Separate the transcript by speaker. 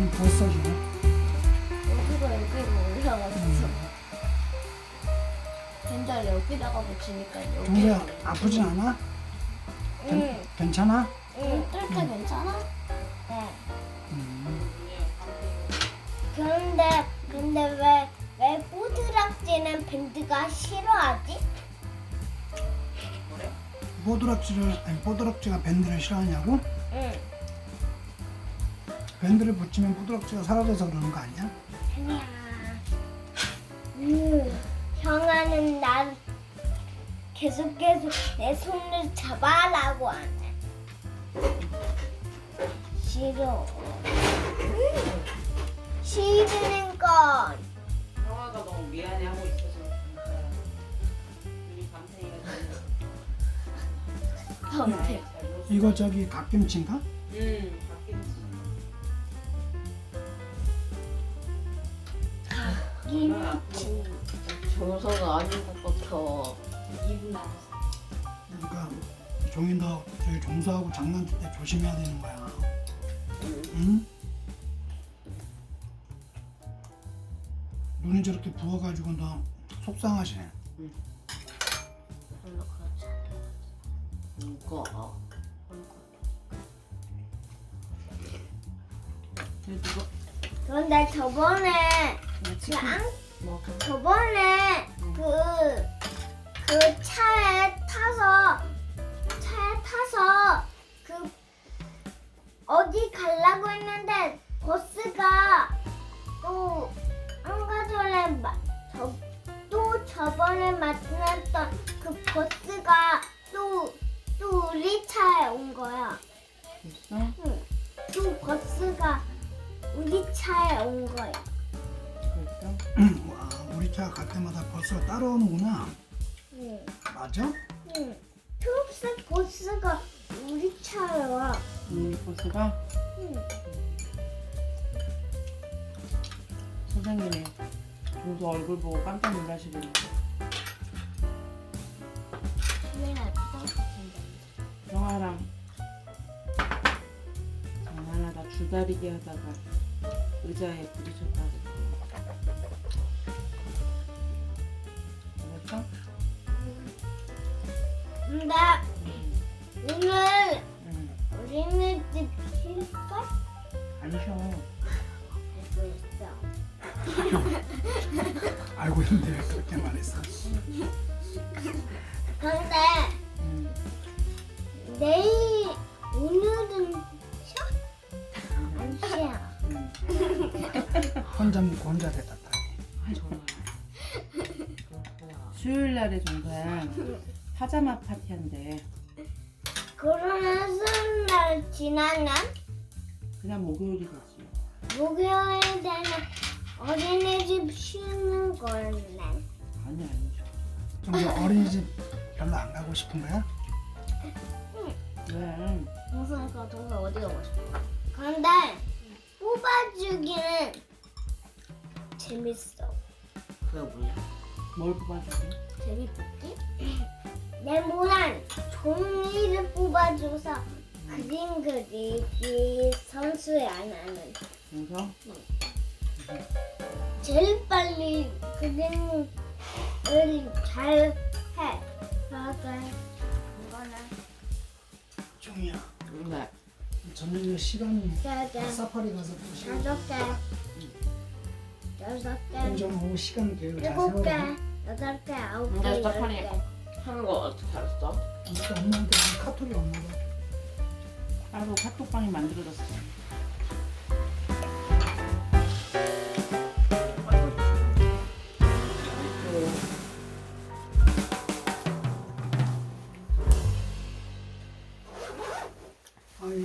Speaker 1: 벗어져.
Speaker 2: 여기가 여기로 올라갔어. 벤달 여기다가 붙이니까 여기.
Speaker 1: 종소야 아프진 않아?
Speaker 2: 응.
Speaker 1: 괜찮아?
Speaker 2: 응. 뜰때 괜찮아? 네. 근데 왜 뽀드락지는 밴드가 싫어하지?
Speaker 1: 뽀드락지가 밴드를 싫어하냐고?
Speaker 2: 응.
Speaker 1: 밴드를 붙이면 뽀드락지가 사라져서 그러는 거 아니야?
Speaker 2: 아니야. 형아는 날 계속 내 손을 잡아라고 하네. 싫어. 싫은 건.
Speaker 3: 형아가 너무 미안해하고 있어서 우리 밤탱이가
Speaker 2: 범태.
Speaker 1: 이거 저기 갓김치인가?
Speaker 3: 갓김치.
Speaker 2: 김치.
Speaker 4: 정서가 아닌 것 같아.
Speaker 3: 2분 남았어.
Speaker 1: 그러니까 종이 너 저기 종소하고 장난칠 때 조심해야 되는 거야. 응? 눈이 저렇게 부어가지고 너 속상하시네.
Speaker 4: 별로 그렇지 않아. 누가?
Speaker 2: 그런데 저번에 저번에 그 차에 타서 그 어디 가려고 했는데 버스가 또 한가 전에 또 저번에 만났던 그 버스가 또 우리 차에 온 거야.
Speaker 3: 됐어?
Speaker 2: 응. 또 버스가 우리 차에 온 거야.
Speaker 3: 됐어?
Speaker 1: 와, 우리 차 갈 때마다 버스가 따라오는구나.
Speaker 2: 응.
Speaker 1: 맞아?
Speaker 2: 응. 초록색 버스가 우리 차에 와.
Speaker 3: 우리 버스가
Speaker 2: 응.
Speaker 3: 선생님이 종소 얼굴 보고 깜짝 놀라시더라고. 형아랑 장난하다 줄다리기 하다가 의자에 부딪혔다고. 알았어?
Speaker 2: 근데
Speaker 3: 응.
Speaker 2: 오늘
Speaker 3: 응.
Speaker 2: 어린이집 쉴까?
Speaker 3: 안 쉬어.
Speaker 2: 알고 있어.
Speaker 1: 알고 있는데 왜 그렇게 말했어?
Speaker 2: 근데
Speaker 3: 응.
Speaker 2: 오늘은 쉬어? 안 쉬어.
Speaker 3: 응.
Speaker 1: 혼자 먹고 혼자 됐다.
Speaker 3: 수요일 날에 종소야 파자마 파티 한대.
Speaker 2: 그러면 수요일 날 지나면
Speaker 3: 그냥 목요일이 되지.
Speaker 2: 목요일에는 어린이집 쉬는 거였네.
Speaker 3: 아니 아니죠.
Speaker 1: 종소 어린이집 별로 안 가고 싶은 거야?
Speaker 3: 왜?
Speaker 2: 동서가 어디 가고 싶어? 근데 뽑아주기는 재밌어.
Speaker 4: 그게 뭐야?
Speaker 3: 뭘 뽑아줄게?
Speaker 2: 재밌겠지? 네모난 종이를 뽑아줘서 그림 그리기 선수에 안 하는
Speaker 3: 종서?
Speaker 2: 제일 빨리 그림을 잘 해. 그러니까 이거는
Speaker 1: 종이야.
Speaker 3: 네.
Speaker 1: 저녁에 시간이
Speaker 2: 3개,
Speaker 1: 사파리 가서 또 시간
Speaker 2: 5개, 6개,
Speaker 1: 공정 오후 시간 계획을 잘
Speaker 2: 7개,
Speaker 1: 세워라.
Speaker 2: 8개, 9개,
Speaker 4: 근데
Speaker 2: 10개.
Speaker 4: 하는 거 어떻게 알았어?
Speaker 1: 우리가 엄마한테 카톡이 없나 봐.
Speaker 3: 따로 카톡방이 만들어졌어.